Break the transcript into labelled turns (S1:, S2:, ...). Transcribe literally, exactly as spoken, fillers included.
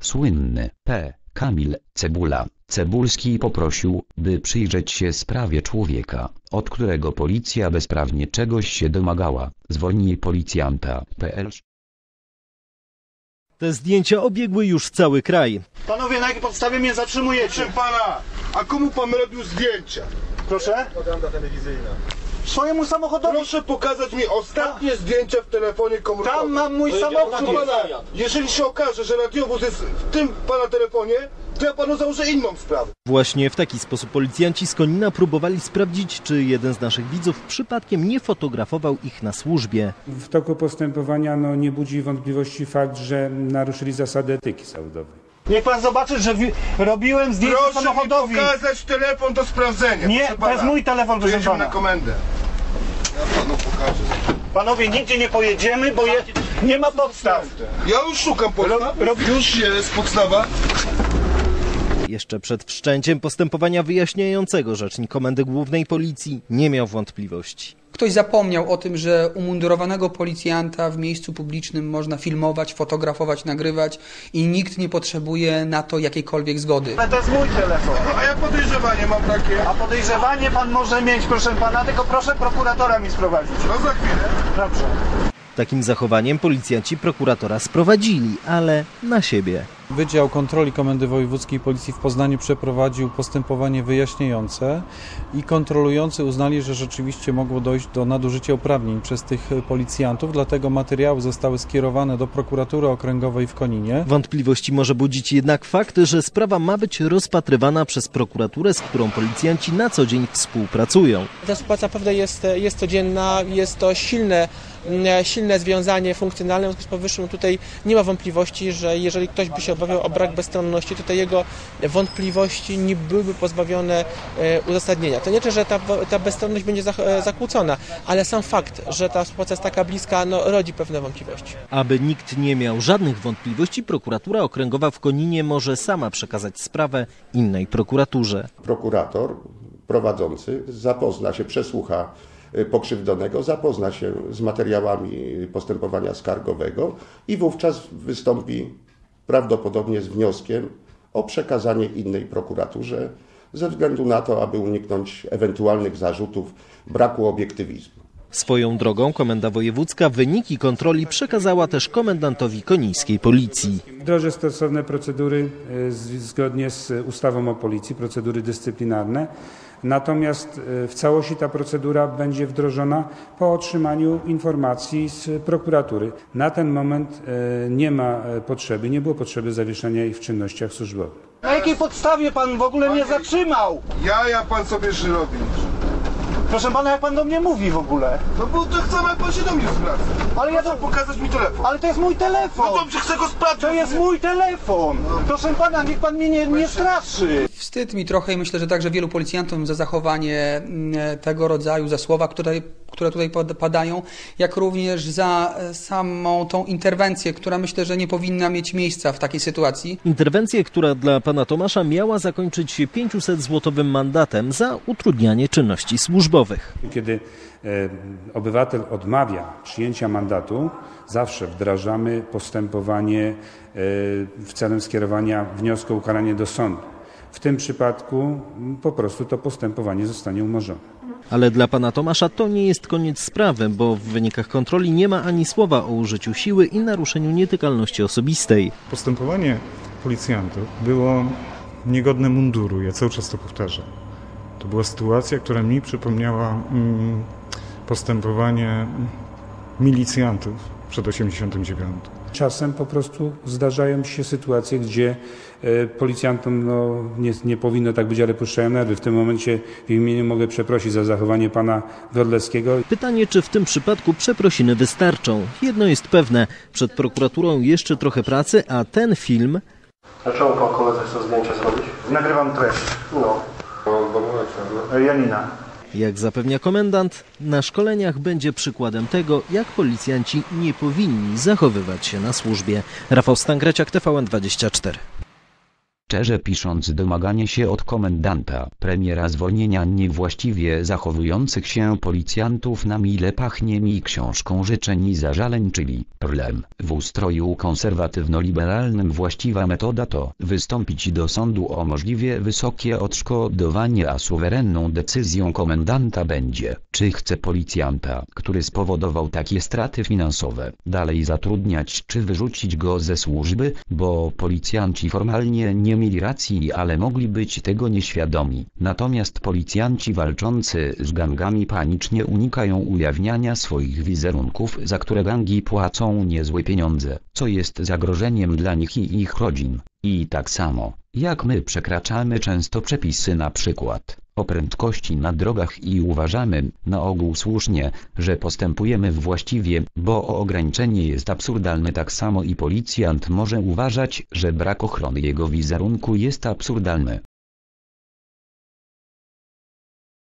S1: Słynny P. Kamil Cebula Cebulski poprosił, by przyjrzeć się sprawie człowieka, od którego policja bezprawnie czegoś się domagała. Zwolnij policjanta. P L.
S2: Te zdjęcia obiegły już cały kraj.
S3: Panowie, na jakiej podstawie mnie zatrzymujecie?
S4: Proszę pana, a komu pan robił zdjęcia?
S3: Proszę?
S4: Propaganda telewizyjna.
S3: Swojemu samochodowi.
S4: Proszę pokazać mi ostatnie zdjęcia w telefonie komórkowym.
S3: Tam mam mój samochód.
S4: Proszę pana, jeżeli się okaże, że radiowóz jest w tym pana telefonie, to ja panu założę inną sprawę.
S2: Właśnie w taki sposób policjanci z Konina próbowali sprawdzić, czy jeden z naszych widzów przypadkiem nie fotografował ich na służbie.
S5: W toku postępowania no, nie budzi wątpliwości fakt, że naruszyli zasady etyki zawodowej.
S3: Niech pan zobaczy, że robiłem zdjęcie
S4: Proszę
S3: samochodowi.
S4: Proszę mi pokazać telefon do sprawdzenia.
S3: Nie,
S4: proszę
S3: to
S4: pana.
S3: jest mój telefon, proszę
S4: Jedziemy
S3: pana.
S4: na komendę. Ja panu pokażę.
S3: Panowie, nigdzie nie pojedziemy, bo je, nie ma podstaw.
S4: Ja już szukam podstaw.
S3: Rob,
S4: Już jest podstawa.
S2: Jeszcze przed wszczęciem postępowania wyjaśniającego rzecznik Komendy Głównej Policji nie miał wątpliwości.
S6: Ktoś zapomniał o tym, że umundurowanego policjanta w miejscu publicznym można filmować, fotografować, nagrywać i nikt nie potrzebuje na to jakiejkolwiek zgody.
S3: Ale to jest mój telefon.
S4: A ja podejrzewanie mam takie.
S3: A podejrzewanie pan może mieć, proszę pana, tylko proszę prokuratora mi sprowadzić.
S4: No za chwilę.
S3: Dobrze.
S2: Takim zachowaniem policjanci prokuratora sprowadzili, ale na siebie.
S7: Wydział Kontroli Komendy Wojewódzkiej Policji w Poznaniu przeprowadził postępowanie wyjaśniające i kontrolujący uznali, że rzeczywiście mogło dojść do nadużycia uprawnień przez tych policjantów, dlatego materiały zostały skierowane do prokuratury okręgowej w Koninie.
S2: Wątpliwości może budzić jednak fakt, że sprawa ma być rozpatrywana przez prokuraturę, z którą policjanci na co dzień współpracują.
S8: Ta współpraca naprawdę jest, jest codzienna, jest to silne, silne związanie funkcjonalne, w związku z powyższym tutaj nie ma wątpliwości, że jeżeli ktoś by się obawiał o brak bezstronności, to te jego wątpliwości nie byłyby pozbawione uzasadnienia. To nie znaczy, że ta, ta bezstronność będzie zakłócona, ale sam fakt, że ta współpraca jest taka bliska, no, rodzi pewne wątpliwości.
S2: Aby nikt nie miał żadnych wątpliwości, prokuratura okręgowa w Koninie może sama przekazać sprawę innej prokuraturze.
S9: Prokurator prowadzący zapozna się, przesłucha pokrzywdzonego, zapozna się z materiałami postępowania skargowego i wówczas wystąpi prawdopodobnie z wnioskiem o przekazanie innej prokuraturze ze względu na to, aby uniknąć ewentualnych zarzutów braku obiektywizmu.
S2: Swoją drogą Komenda Wojewódzka wyniki kontroli przekazała też komendantowi konińskiej policji.
S5: Wdroży stosowne procedury zgodnie z ustawą o policji, procedury dyscyplinarne. Natomiast w całości ta procedura będzie wdrożona po otrzymaniu informacji z prokuratury. Na ten moment nie ma potrzeby, nie było potrzeby zawieszenia ich w czynnościach służbowych.
S3: Na jakiej podstawie pan w ogóle mnie zatrzymał?
S4: Ja, ja pan sobie robić.
S3: Proszę pana, jak pan do mnie mówi w ogóle?
S4: No bo to chcę, jak pan się do mnie zwraca.
S3: Ale ja to...
S4: pokazać mi telefon.
S3: Ale to jest mój telefon.
S4: No dobrze, chcę go sprawdzić.
S3: To jest mój telefon. Proszę pana, niech pan mnie nie, nie straszy.
S6: Wstyd mi trochę i myślę, że także wielu policjantom za zachowanie tego rodzaju, za słowa, które, które tutaj padają, jak również za samą tą interwencję, która myślę, że nie powinna mieć miejsca w takiej sytuacji.
S2: Interwencję, która dla pana Tomasza miała zakończyć się pięciusetzłotowym mandatem za utrudnianie czynności służbowych.
S5: Kiedy e, obywatel odmawia przyjęcia mandatu, zawsze wdrażamy postępowanie e, w celem skierowania wniosku o ukaranie do sądu. W tym przypadku po prostu to postępowanie zostanie umorzone.
S2: Ale dla pana Tomasza to nie jest koniec sprawy, bo w wynikach kontroli nie ma ani słowa o użyciu siły i naruszeniu nietykalności osobistej.
S10: Postępowanie policjantów było niegodne munduru, ja cały czas to powtarzam. To była sytuacja, która mi przypomniała mm, postępowanie milicjantów przed osiemdziesiątym dziewiątym.
S5: Czasem po prostu zdarzają się sytuacje, gdzie e, policjantom no, nie, nie powinno tak być, ale puszczają nerwy. W tym momencie w imieniu mogę przeprosić za zachowanie pana Wrodleckiego.
S2: Pytanie, czy w tym przypadku przeprosiny wystarczą. Jedno jest pewne, przed prokuraturą jeszcze trochę pracy, a ten film...
S11: Dlaczego pan koledze chce zdjęcia zrobić?
S3: Nagrywam treść.
S11: No.
S3: Janina.
S2: Jak zapewnia komendant, na szkoleniach będzie przykładem tego, jak policjanci nie powinni zachowywać się na służbie. Rafał Stangreciak, T V N dwadzieścia cztery.
S1: Szczerze pisząc, domaganie się od komendanta premiera zwolnienia niewłaściwie zachowujących się policjantów na mile pachnie mi książką życzeń i zażaleń, czyli prlem. W ustroju konserwatywno-liberalnym właściwa metoda to wystąpić do sądu o możliwie wysokie odszkodowanie, a suwerenną decyzją komendanta będzie, czy chce policjanta, który spowodował takie straty finansowe, dalej zatrudniać, czy wyrzucić go ze służby, bo policjanci formalnie nie mieli racji, ale mogli być tego nieświadomi. Natomiast policjanci walczący z gangami panicznie unikają ujawniania swoich wizerunków, za które gangi płacą niezłe pieniądze, co jest zagrożeniem dla nich i ich rodzin. I tak samo, jak my przekraczamy często przepisy, na przykład o prędkości na drogach, i uważamy, na ogół słusznie, że postępujemy właściwie, bo ograniczenie jest absurdalne, tak samo i policjant może uważać, że brak ochrony jego wizerunku jest absurdalny.